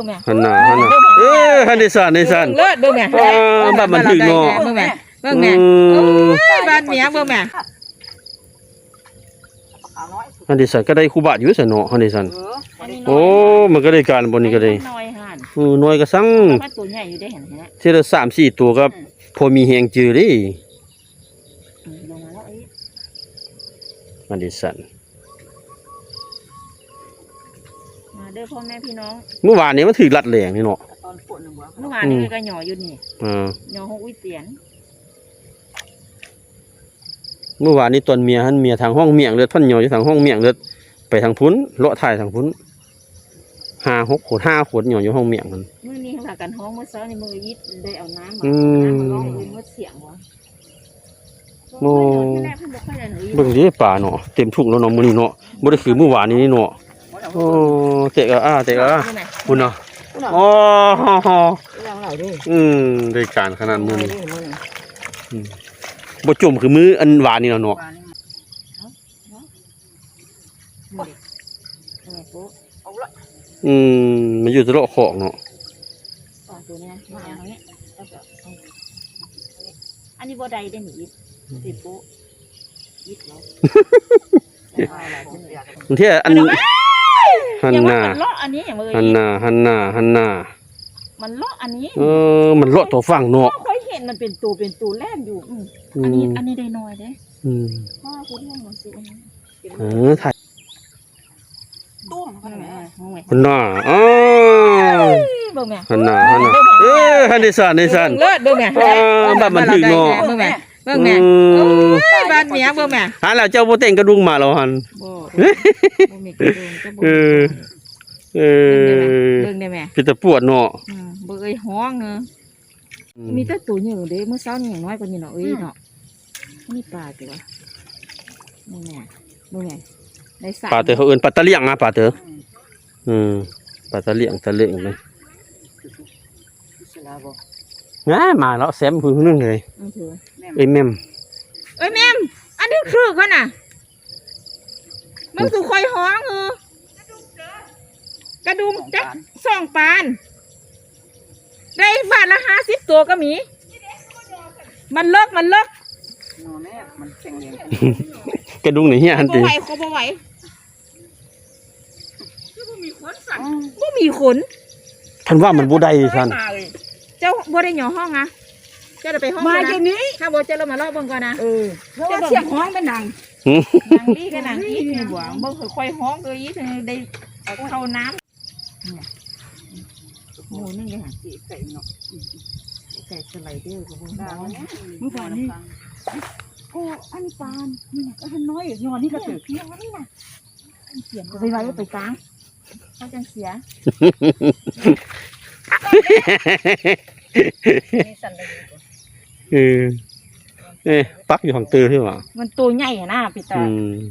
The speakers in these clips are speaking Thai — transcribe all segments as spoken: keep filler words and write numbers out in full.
งแม่หันหน้าหันหน้าเออหันดิสันดิสันเลิศเบิ่งแม่บ้านมันถึงเนาะเบิ่งแม่เบิ่งแม่บ้านเมียเบิ่งแม่หันดิสันก็ได้คู่บาทอยู่ซะเนาะหันดิสันโอ้มันก็ได้การบนนี้ก็ได้น้อยหั่นเออน้อยก็สั่งมันตัวใหญ่อยู่ได้เห็นไหมทีละสามสี่ตัวก็พอมีแฮงจือดิลงมาแล้วไอ้หันดิสันมาเด้อพ่อแม่พี่น้องเมื่อวานนี้มันถือลัดแหลงนี่เนาะเมื่อวานนี้ก็หย่ออยู่นี่อ่าหย่อหกวิเตียนเมื่อวานนี้ตอนเมียหันเมียทางห้องเมียงเลือดพันหย่ออยู่ทางห้องเมียงเลือดไปทางพุ้นเลาะถ่ายทางพุ้นห้าหกขวดห้าขวดหย่ออยู่ห้องเมียงมันมื้อนี้เขากันห้องเมื่อเช้าในมือยิดได้เอาน้ำมาน้ำมาลองเองเมื่อเสียงวะโอ้เบิ่งดิป่าเนาะเต็มทุ่งแล้วเนาะมื้อนี้เนาะบ่ได้คือเมื่อวานนี้เนาะโอ้เตะกะอ้าเตะกะอ้าคุณเนาะโอ้โหอืมได้การขนาดมื้อนี้อืมบ่จุ่มคือมื้ออันหวานนี่เนาะอืมมันอยู่ตะเลาะของเนาะตัวนี้มาเอาเนี้ยอันนี้บ่ได้ได้หนิติดโป๊ะยิดแล้วบางทีอันหันหน้ามันเลาะอันนี้อย่างเมื่อหันหน้าหันหน้าหันหน้ามันเลาะอันนี้เออมันเลาะตัวฝั่งเนาะเคยเห็นมันเป็นตัวเป็นตัวแล่นอยู่อันนี้อันนี้ได้น้อยเด้อืมพ่อคุณเรื่องมันสิเออถ่ายตุ้มหันหน้าอ๋อหันหน้าหันหน้าเออหันดิสันดิสันเลิศเบิ่งแม่บ้านมันถึงเนาะเบิ่งแม่เบิ่งแม่บ้านเมียเบิ่งแม่หันแล้วเจ้าโบเต็งกระดุงมาแล้วหันบ่มีกระดุงจะบ่เออเออเบิ่งได้แม่เป็นตะปวดเนาะบ่เอ้ยฮ้องเนาะมีแต่ตัวอยู่เด้เมื่อเช้านี่อย่างน้อยกว่านี้เนาะเอ้ยเนาะนี่ปลาตัวนี่แม่เบิ่งแม่ได้สามปลาเต๋อเขาเอิ้นปลาตะเลี่ยงนะปลาเต๋ออืมปลาตะเลี่ยงตะเลี่ยงเลยง่ายมาแล้วแซมพื้นนึงเลยเอ้ยแม่มเอ้ยแม่มอันนี้คือกันน่ะมันสุคอยฮ้องเออกระดุมจักสองปานได้บาทละห้าสิบตัวก็มีมันเลิกมันเลิกกระดุงไหนเฮียอันตีบ่ไหวเขาบ่ไหวบ่มีขนสั่นบ่มีขนท่านว่ามันบ่ได้ท่านเจ้าบ่ได้หย่อห้องอ่ะเจ้าจะไปห้องมาเดี๋ยวนี้ถ้าบ่เจ้าเรามาลอกเบิ่งก่อนนะเออเจ้าเสียงห้องเป็นนางนางดีกับนางอีทนี่บ่บ่ค่อยห้องเลยอีทได้เข้าน้ำหมูนึ่งเลยค่ะไก่เนาะไก่สไลเดอร์กับพวกเราเมื่อวานนี้โอ้อันปานนี่ก็หันน้อยย้อนนี่ก็ถือเพียงนี่นะเสียงไปไว้ไปกลางเขาจังเสียเออเอ๊ะปักอยู่ของตื้อใช่ไหมมันตัวใหญ่นะพี่ตา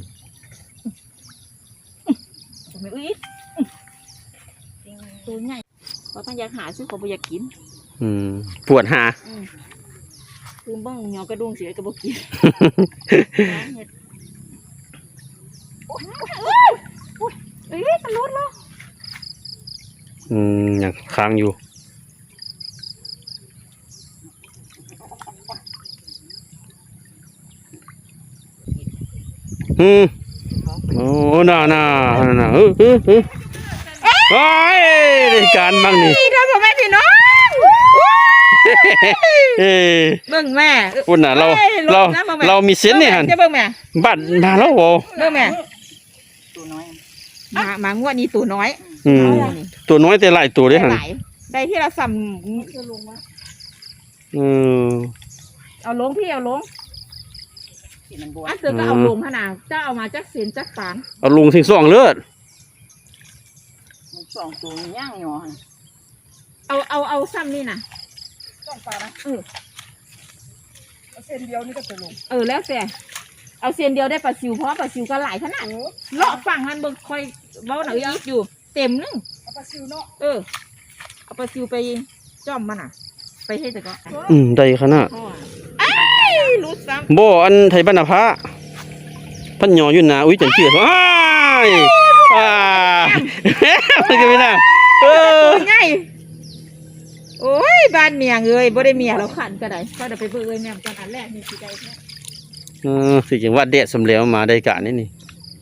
ตัวใหญ่เขาต้องอยากหาซื้อเขาไม่อยากกินอืมปวดหาคือบ้องหยอกระดุงเสียกระบอกกินเอ้ยมันรุดแล้วอืมยังค้างอยู่อืมโอ้น่าน่าน่าเออเออเออโอ้ยได้การบ้างนี่ทำผมแม่พี่น้องเบิ่งแม่ปุ่นน่ะเราเราเรามีเส้นเนี่ยฮันเบิ่งแม่บัดมาแล้วโว้เบิ่งแม่ตัวน้อยมามางวดนี้ตัวน้อยอืมตัวน้อยแต่หลายตัวได้ฮันได้ที่เราสั่มอืมเอาลงพี่เอาลงอันเสือก็เอาลงขนาดเจ้าเอามาจักเส้นจักปานเอาลงถึงสองเลือดสองตัวย่างหยอเอาเอาเอาซ้ำนี่นะสองปลานะเออเอาเส้นเดียวนี่ก็จะลงเออแล้วแต่เอาเส้นเดียวได้ปลาซิวเพราะปลาซิวก็หลายขนาดเลาะฝั่งหันเบิ่งคอยเบ้าหน่อยอีกอยู่เต็มนึงเอาปลาซิวเนาะเออเอาปลาซิวไปจ้อมมันอ่ะไปให้แต่ก็อืมได้ขนาดรู้ซ้ำโบอันไทยบรรณพระพันหยออยู่นะอุ้ยจังเจือดว้ายว้ามันก็ไม่น่าเออตัวใหญ่โอ้ยบ้านเมียเอ้ยบ่ได้เมียเราขันก็ได้ก็ได้ไปเบิ่งเอ้ยแม่มกันอันแรกนี่สิได้แท้เออสิจังว่าแดดสำแล้วมาได้กะนี่นี่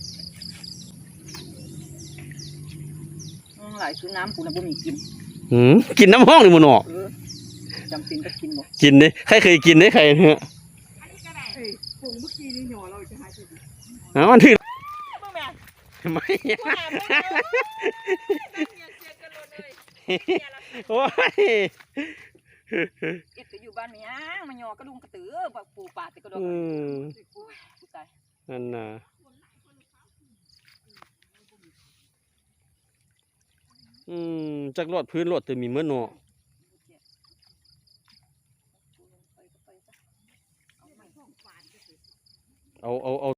น้องหลายซื้อน้ำกูน่ะบ่มีกินหืมกินน้ำห้องนี่มันออกเออจำเป็นก็กินบ่กินเด้ใครเคยกินเด้ใครเนี่ยอันนี้ก็ได้เอ้ยผงเมื่อกี้นี่หยอเราจะหาจุดอ๋อมันถึงเบิ่งแม่ไม่ว่าหาเบิ่งเด้อเมียเสียกันโลดเลยเมียละโอ้ยเอ็ดก็อยู่บ้านเมียมันหยอกระดุงกระตือบักปูปาดแต่กระดอกอืมโอ้ยกูตายนั่นน่ะอืมจักรอดพื้นรอดแต่มีเมื่อเนาะเอาเอาเอา